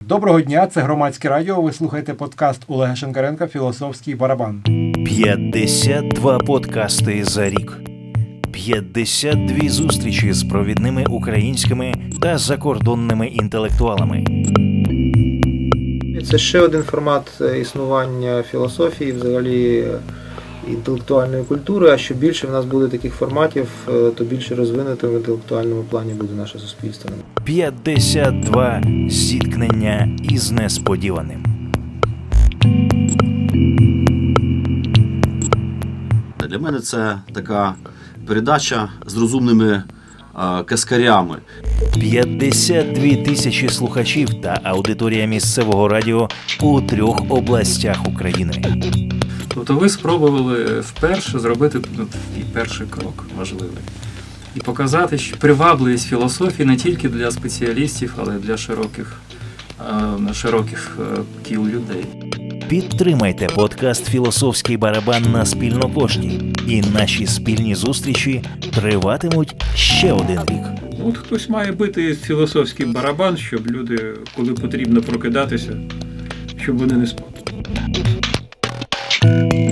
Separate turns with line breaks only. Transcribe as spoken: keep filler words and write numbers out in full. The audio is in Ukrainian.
Доброго дня, це Громадське радіо, ви слухаєте подкаст Олега Шинкаренка «Філософський барабан».
п'ятдесят два подкасти за рік. п'ятдесят дві зустрічі з провідними українськими та закордонними інтелектуалами.
Це ще один формат існування філософії, взагалі інтелектуальної культури, а що більше в нас буде таких форматів, то більше розвинутим в інтелектуальному плані буде наше суспільство.
п'ятдесят два зіткнення із несподіваним.
Для мене це така передача з розумними е, каскарями.
п'ятдесят дві тисячі слухачів та аудиторія місцевого радіо у трьох областях України.
Тобто ви спробували вперше зробити ну, і перший крок важливий. І показати, що привабливість філософії не тільки для спеціалістів, але й для широких, е, широких е, кіл людей.
Підтримайте подкаст «Філософський барабан» на Спільнопошті. І наші спільні зустрічі триватимуть ще один рік.
От хтось має бити філософський барабан, щоб люди, коли потрібно прокидатися, щоб вони не спали.